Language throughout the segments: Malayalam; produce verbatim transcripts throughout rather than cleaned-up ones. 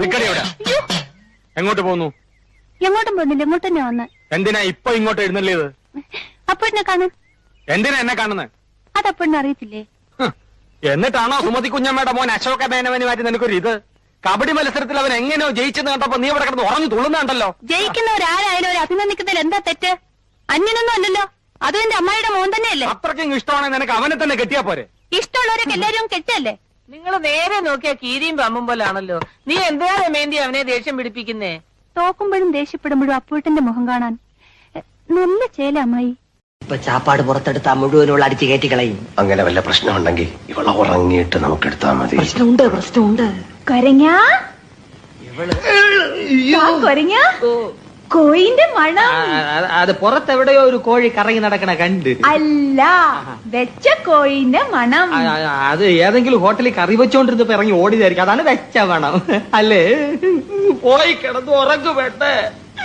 എങ്ങോട്ട് പോന്നു? എങ്ങോട്ടും പോകുന്നില്ല, ഇങ്ങോട്ട് തന്നെ വന്ന്. എന്തിനാ ഇപ്പൊ ഇങ്ങോട്ട് എഴുന്നള്ളിയത്? അപ്പോഴിനെ കാണാൻ. എന്തിനാ എന്നെ കാണുന്നത്? അതപ്പോഴിനെ അറിയത്തില്ലേ? എന്നിട്ടാണോ സുമതി കുഞ്ഞമ്മയുടെ മോൻ അശോക മേനവന് മാറ്റി നിനക്കൊരു ഇത്? കബഡി മത്സരത്തിൽ അവൻ എങ്ങനെയോ ജയിച്ചെന്ന് കണ്ടപ്പോ നീ അവിടെ കിടന്ന് ഉറഞ്ഞു തുള്ളുന്നുണ്ടല്ലോ. ജയിക്കുന്നവരാരായാലും ഒരു അഭിനന്ദിക്കുന്നതിൽ എന്താ തെറ്റ്? അന്യനൊന്നും അല്ലല്ലോ, അതും എന്റെ അമ്മായിയുടെ മോൻ തന്നെയല്ലേ. അത്രയ്ക്കും ഇഷ്ടമാണെങ്കിൽ നിനക്ക് അവനെ തന്നെ കെട്ടിയാ പോരെ? ഇഷ്ടമുള്ളവരൊക്കെ എല്ലാരും കെട്ടല്ലേ? നിങ്ങൾ നേരെ നോക്കിയാ കീരിയും പമ്പും പോലാണല്ലോ. നീ എന്തിനാ രമേന്തി അവനെ ദേഷ്യം പിടിപ്പിക്കുന്നേ? തോക്കുമ്പോഴും ദേഷ്യപ്പെടുമ്പോഴും അപ്പൂട്ടന്റെ മുഖം കാണാൻ നല്ല ചേല അമ്മായി. ഇപ്പൊ ചാപ്പാട് പുറത്തെടുത്താ മുഴുവനുള്ള അടിച്ചു കയറ്റി കളയും. അങ്ങനെ വല്ല പ്രശ്നമുണ്ടെങ്കിൽ ഇവളെ ഉറങ്ങിയിട്ട് നമുക്ക് എടുത്താ മതി. പ്രശ്നമുണ്ട് പ്രശ്നമുണ്ട്. കൊരങ്ങാ കൊരങ്ങാ കോയിന്റെ മണം. അത് പുറത്തെവിടെയോ ഒരു കോഴി കറങ്ങി നടക്കണ കണ്ട്. അല്ല, വെച്ച കോയിന്റെ മണം. അത് ഏതെങ്കിലും ഹോട്ടലിൽ കറി വെച്ചോണ്ടിരുന്നപ്പോ ഇറങ്ങി ഓടിയതായിരിക്കും. അതാണ് വെച്ച മണം അല്ലേ? പോയി കിടന്ന് ഉറങ്ങു വേണ്ടേ.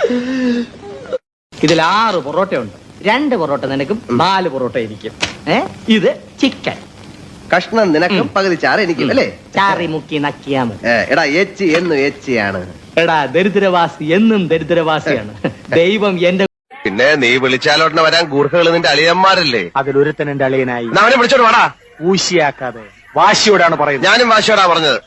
ഇതിൽ ആറ് പൊറോട്ടയുണ്ട്. രണ്ട് പൊറോട്ട നിനക്കും നാല് പൊറോട്ട എനിക്കും. ഏ ഇത് ചിക്കൻ കഷ്ണം നിനക്കും പകുതി ചാറ് എനിക്കും അല്ലേ? ചാറി മുക്കി നക്കിയാ മതി. എടാ എച്ച് എന്നും എച്ചിയാണ്. എടാ ദരിദ്രവാസി എന്നും ദരിദ്രവാസിയാണ്. ദൈവം എന്റെ പിന്നെ നീ വിളിച്ചാലോട്ടനെ വരാൻ ഗൂർഖകൾ നിന്റെ അളിയന്മാരല്ലേ? അതിലൊരുത്തൻ എന്റെ അളിയനായി. അവനെ വിളിച്ചോട് വാടാ. ഊശിയാക്കാതെ വാശിയോടാണ് പറയുന്നത്. ഞാനും വാശിയോടാ പറഞ്ഞത്.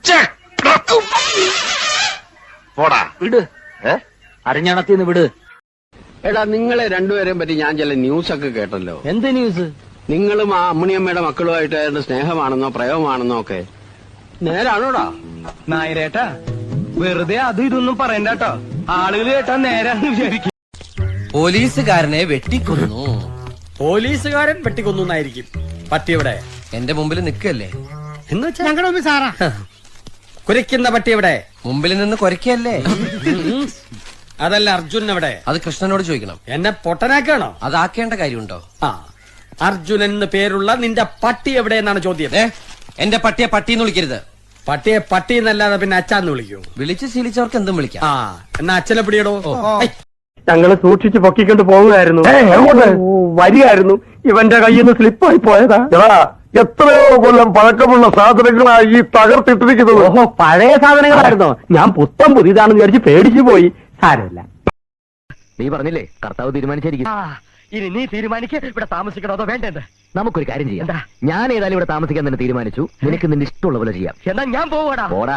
പോടാ വിട്, അരഞ്ഞണത്തിന്ന് വിട്. എടാ, നിങ്ങളെ രണ്ടുപേരെയും പറ്റി ഞാൻ ചില ന്യൂസ് ഒക്കെ കേട്ടല്ലോ. എന്ത് ന്യൂസ്? നിങ്ങളും ആ അമ്മുണിയമ്മയുടെ മക്കളുമായിട്ട് ഏതാണ്ട് സ്നേഹമാണെന്നോ പ്രേമമാണെന്നോ ഒക്കെ നേരാണോടാ? നായരേട്ടാ, വെറുതെ അത് ഇതൊന്നും പറയണ്ടോ. ആളുകൾ കേട്ടാ നേരാന്ന് വിചാരിക്കും. പോലീസുകാരനെ വെട്ടിക്കൊന്നു. പോലീസുകാരൻ വെട്ടിക്കൊന്നായിരിക്കും. പട്ടിയെവിടെ? എന്റെ മുമ്പിൽ നിൽക്കല്ലേ? എന്ന് വെച്ചാ ഞങ്ങളുടെ മുമ്പിൽ സാറാ. കുരയ്ക്കുന്ന പട്ടി എവിടെ? മുമ്പിൽ നിന്ന് കൊരക്കല്ലേ? അതല്ല, അർജുൻ എവിടെ? അത് കൃഷ്ണനോട് ചോദിക്കണം. എന്നെ പൊട്ടനാക്കാണോ? അതാക്കേണ്ട കാര്യമുണ്ടോ? ആ, അർജുനൻ എന്ന് പേരുള്ള നിന്റെ പട്ടി എവിടെയെന്നാണ് ചോദ്യം. ഏ എന്റെ പട്ടിയെ പട്ടിന്ന് വിളിക്കരുത്. പട്ടിയെ പട്ടി എന്നല്ലാതെ പിന്നെ അച്ഛന്ന് വിളിക്കൂ. വിളിച്ച് ശീലിച്ചവർക്ക് എന്തും വിളിക്കാം. ആ, എന്നാ അച്ഛനെ പിടിയടോ. ഞങ്ങള് സൂക്ഷിച്ച് പൊക്കിക്കൊണ്ട് പോകുകയായിരുന്നു. വരികയായിരുന്നു, ഇവന്റെ കയ്യിൽ നിന്ന് സ്ലിപ്പായി പോയതാ. എത്രയോ കൊല്ലം പഴക്കമുള്ള സാധനങ്ങളായി ഈ തകർത്തിട്ടിരിക്കുന്നത്. ഓഹോ, പഴയ സാധനങ്ങളായിരുന്നോ? ഞാൻ പുത്തം പുതിയതാണെന്ന് വിചാരിച്ച് പേടിച്ചു പോയി. സാരമില്ല, നീ പറഞ്ഞില്ലേ കർത്താവ് തീരുമാനിച്ചിരിക്കും. ഇനി നീ തീരുമാനിക്ക്, ഇവിടെ താമസിക്കണോ അതോ വേണ്ടെന്ന്. നമുക്കൊരു കാര്യം ചെയ്യാം. ഞാൻ ഏതായാലും ഇവിടെ താമസിക്കാൻ തന്നെ തീരുമാനിച്ചു. നിനക്ക് നിന്റെ ഇഷ്ടമുള്ള പോലെ ചെയ്യാം. എന്നാ ഞാൻ പോവാടാ. പോടാ.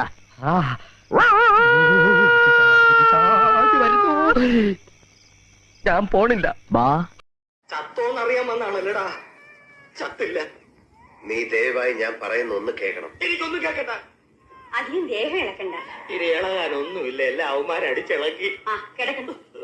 ഞാൻ പോണില്ല. ബാ. ചത്തോന്നറിയാൻ വന്നാണല്ലേടാ. ചത്തില്ല. നീ ദയവായി ഞാൻ പറയുന്ന ഒന്ന് കേൾക്കണം. എനിക്കൊന്നും കേൾക്കണ്ട. അധികം ദേഹം ഇളക്കണ്ട. ഇത് ഇളകാനൊന്നുമില്ല. എല്ലാ അവന്മാരടിച്ചിളക്കി. ആ കിടക്കുന്നു.